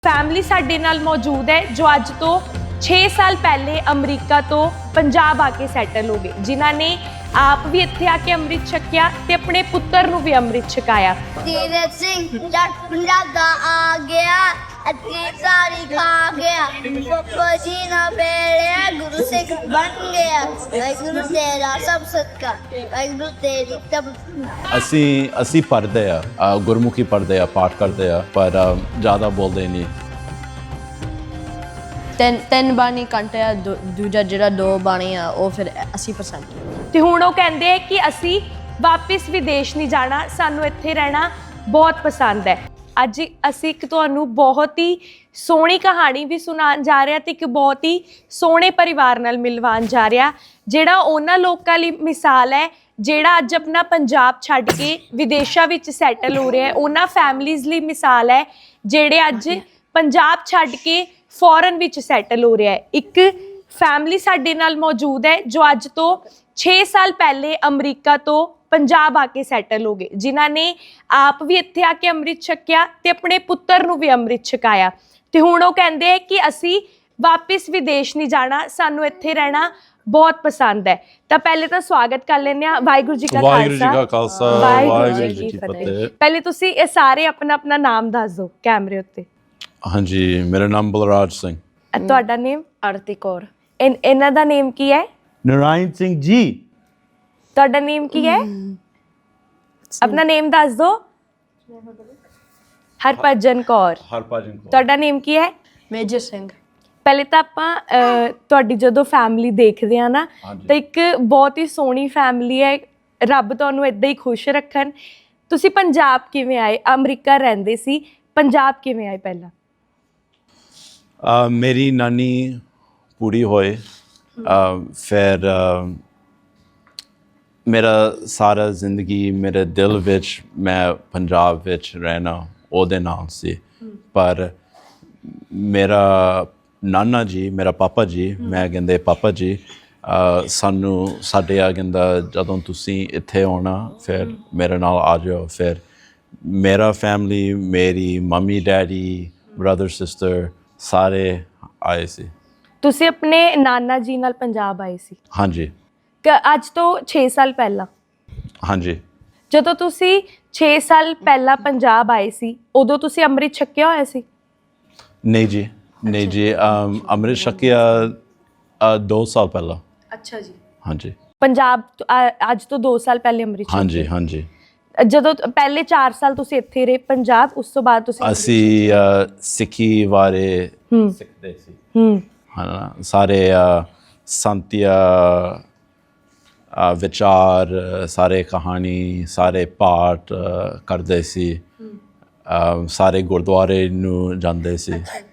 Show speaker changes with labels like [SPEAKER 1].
[SPEAKER 1] Family साडे नाल मौजूद है जो अज तो 6 साल पहले अमरीका तो पंजाब आके सैटल हो गए, जिन्हों ने आप भी इत्थे आके अमृत छकिया ते अपने पुत्र नूं भी अमृत छकाया।
[SPEAKER 2] तीरथ सिंह जट पंजाब दा आ गया, अत्ती सारी खा गया, पप्पा जी ना बेड़िया गुरु सिख बन गया। वाहिगुरु तेरा सब सदका, वाहिगुरु तेरी तब
[SPEAKER 3] ਅਸੀਂ ਪੜ੍ਹਦੇ ਆ ਗੁਰਮੁਖੀ ਪੜ੍ਹਦੇ ਆ ਪਾਠ ਕਰਦੇ ਆ ਪਰ ਜ਼ਿਆਦਾ ਬੋਲਦੇ ਨਹੀਂ।
[SPEAKER 4] ਤਿੰਨ ਬਾਣੀ ਘੰਟੇ ਆ, ਦੂਜਾ ਜਿਹੜਾ 2 ਬਾਣੀ ਆ ਉਹ ਫਿਰ 80%।
[SPEAKER 1] ਤੇ ਹੁਣ ਉਹ ਕਹਿੰਦੇ ਕਿ ਅਸੀਂ ਵਾਪਿਸ ਵਿਦੇਸ਼ ਨਹੀਂ ਜਾਣਾ, ਸਾਨੂੰ ਇੱਥੇ ਰਹਿਣਾ ਬਹੁਤ ਪਸੰਦ ਹੈ। ਅੱਜ ਅਸੀਂ ਇੱਕ ਤੁਹਾਨੂੰ ਬਹੁਤ ਹੀ ਸੋਹਣੀ ਕਹਾਣੀ ਵੀ ਸੁਣਾਉਣ ਜਾ ਰਹੇ ਹਾਂ ਤੇ ਇੱਕ ਬਹੁਤ ਹੀ ਸੋਹਣੇ ਪਰਿਵਾਰ ਨਾਲ ਮਿਲਵਾਉਣ ਜਾ ਰਿਹਾ, ਜਿਹੜਾ ਉਹਨਾਂ ਲੋਕਾਂ ਲਈ ਮਿਸਾਲ ਹੈ ਜਿਹੜਾ ਅੱਜ ਆਪਣਾ ਪੰਜਾਬ ਛੱਡ ਕੇ ਵਿਦੇਸ਼ਾਂ ਵਿੱਚ ਸੈਟਲ ਹੋ ਰਿਹਾ ਹੈ। ਉਹਨਾਂ ਫੈਮਲੀਜ਼ ਲਈ ਮਿਸਾਲ ਹੈ ਜਿਹੜੇ ਅੱਜ ਪੰਜਾਬ ਛੱਡ ਕੇ ਫੋਰਨ ਵਿੱਚ ਸੈਟਲ ਹੋ ਰਿਹਾ ਹੈ। ਇੱਕ ਫੈਮਲੀ ਸਾਡੇ ਨਾਲ ਮੌਜੂਦ ਹੈ ਜੋ ਅੱਜ ਤੋਂ 6 ਸਾਲ ਪਹਿਲੇ ਅਮਰੀਕਾ ਤੋਂ ਪੰਜਾਬ ਆ ਕੇ ਸੈਟਲ ਹੋ ਗਏ, ਜਿਨ੍ਹਾਂ ਨੇ ਆਪ ਵੀ ਇੱਥੇ ਆ ਕੇ ਅੰਮ੍ਰਿਤ ਛਕਿਆ ਤੇ ਆਪਣੇ ਪੁੱਤਰ ਨੂੰ ਵੀ ਅੰਮ੍ਰਿਤ ਛਕਾਇਆ। ਤੇ ਹੁਣ ਉਹ ਕਹਿੰਦੇ ਕਿ ਅਸੀਂ ਵਾਪਿਸ ਵਿਦੇਸ਼ ਨਹੀਂ ਜਾਣਾ, ਸਾਨੂੰ ਇੱਥੇ ਰਹਿਣਾ ਬਹੁਤ ਪਸੰਦ ਹੈ। ਤਾਂ ਪਹਿਲੇ ਤਾਂ ਸਵਾਗਤ ਕਰ ਲੈਂਦੇ ਹਾਂ। ਵਾਹਿਗੁਰੂ ਜੀ ਕਾ
[SPEAKER 3] ਖਾਲਸਾ ਵਾਹਿਗੁਰੂ ਜੀ ਕੀ ਫਤਿਹ।
[SPEAKER 1] ਪਹਿਲੇ ਤੁਸੀਂ ਇਹ ਸਾਰੇ ਆਪਣਾ ਆਪਣਾ ਨਾਮ ਦੱਸ ਦਿਓ ਕੈਮਰੇ ਉੱਤੇ।
[SPEAKER 3] ਹਾਂਜੀ, ਮੇਰਾ ਨਾਮ ਬਲਰਾਜ ਸਿੰਘ।
[SPEAKER 1] ਤੁਹਾਡਾ ਨੇਮ?
[SPEAKER 4] ਆਰਤੀ ਕੌਰ।
[SPEAKER 1] ਇਹਨਾਂ ਦਾ ਨੇਮ ਕੀ ਹੈ?
[SPEAKER 5] ਨਾਰਾਇਣ ਸਿੰਘ ਜੀ।
[SPEAKER 1] ਤੁਹਾਡਾ ਨੇਮ ਕੀ ਹੈ? ਆਪਣਾ ਨੇਮ ਦੱਸ ਦਿਓ। ਹਰਭਜਨ ਕੌਰ।
[SPEAKER 3] ਹਰਭਜਨ ਕੌਰ।
[SPEAKER 1] ਤੁਹਾਡਾ ਨੇਮ ਕੀ ਹੈ?
[SPEAKER 4] ਮੇਜਰ ਸਿੰਘ।
[SPEAKER 1] ਪਹਿਲੇ ਤਾਂ ਆਪਾਂ ਤੁਹਾਡੀ ਜਦੋਂ ਫੈਮਿਲੀ ਦੇਖਦੇ ਆ ਨਾ ਤਾਂ ਇੱਕ ਬਹੁਤ ਹੀ ਸੋਹਣੀ ਫੈਮਿਲੀ ਹੈ। ਰੱਬ ਤੁਹਾਨੂੰ ਇਦਾਂ ਹੀ ਖੁਸ਼ ਰੱਖਣ। ਤੁਸੀਂ ਪੰਜਾਬ ਕਿਵੇਂ ਆਏ? ਅਮਰੀਕਾ ਰਹਿੰਦੇ ਸੀ, ਪੰਜਾਬ ਕਿਵੇਂ ਆਏ ਪਹਿਲਾਂ?
[SPEAKER 3] ਮੇਰੀ ਨਾਨੀ ਪੂਰੀ ਹੋਏ, ਫਿਰ ਮੇਰਾ ਸਾਰਾ ਜ਼ਿੰਦਗੀ ਮੇਰੇ ਦਿਲ ਵਿੱਚ ਮੈਂ ਪੰਜਾਬ ਵਿੱਚ ਰਹਿਣਾ ਉਹਦੇ ਨਾਲ ਸੀ। ਪਰ ਮੇਰਾ ਨਾਨਾ ਜੀ, ਮੇਰਾ ਪਾਪਾ ਜੀ, ਮੈਂ ਕਹਿੰਦੇ ਪਾਪਾ ਜੀ, ਸਾਨੂੰ ਸਾਡੇ ਆ ਕਹਿੰਦਾ ਜਦੋਂ ਤੁਸੀਂ ਇੱਥੇ ਆਉਣਾ ਫਿਰ ਮੇਰੇ ਨਾਲ ਆ ਜਾਓ। ਫਿਰ ਮੇਰਾ ਫੈਮਲੀ, ਮੇਰੀ ਮੰਮੀ ਡੈਡੀ, ਬ੍ਰਦਰ ਸਿਸਟਰ ਸਾਰੇ ਆਏ ਸੀ।
[SPEAKER 1] ਤੁਸੀਂ ਆਪਣੇ ਨਾਨਾ ਜੀ ਨਾਲ ਪੰਜਾਬ ਆਏ ਸੀ?
[SPEAKER 3] ਹਾਂਜੀ।
[SPEAKER 1] ਅੱਜ ਤੋਂ 6 ਸਾਲ ਪਹਿਲਾਂ?
[SPEAKER 3] ਹਾਂਜੀ।
[SPEAKER 1] ਜਦੋਂ ਤੁਸੀਂ 6 ਸਾਲ ਪਹਿਲਾਂ ਪੰਜਾਬ ਆਏ ਸੀ ਉਦੋਂ ਤੁਸੀਂ ਅੰਮ੍ਰਿਤ ਛਕਿਆ ਹੋਇਆ ਸੀ?
[SPEAKER 3] ਨਹੀਂ ਜੀ, ਨਹੀਂ ਜੀ, ਅੰਮ੍ਰਿਤ ਛਕਿਆ 2 ਸਾਲ ਪਹਿਲਾਂ।
[SPEAKER 1] ਅੱਛਾ ਜੀ।
[SPEAKER 3] ਹਾਂਜੀ।
[SPEAKER 1] ਪੰਜਾਬ ਅੱਜ ਤੋਂ 2 ਸਾਲ ਪਹਿਲੇ ਅੰਮ੍ਰਿਤ ਛਕਿਆ?
[SPEAKER 3] ਹਾਂਜੀ ਹਾਂਜੀ।
[SPEAKER 1] ਜਦੋਂ ਪਹਿਲੇ 4 ਸਾਲ ਤੁਸੀਂ ਇੱਥੇ ਰਹੇ ਪੰਜਾਬ, ਉਸ ਤੋਂ ਬਾਅਦ ਤੁਸੀਂ?
[SPEAKER 3] ਅਸੀਂ ਸਿੱਖੀ ਬਾਰੇ ਸਿੱਖਦੇ ਸੀ, ਹੈ ਸਾਰੇ ਸੰਤਿਆ ਵਿਚਾਰ, ਸਾਰੇ ਕਹਾਣੀ, ਸਾਰੇ ਪਾਠ ਕਰਦੇ ਸੀ, ਸਾਰੇ ਗੁਰਦੁਆਰੇ ਨੂੰ ਜਾਂਦੇ ਸੀ।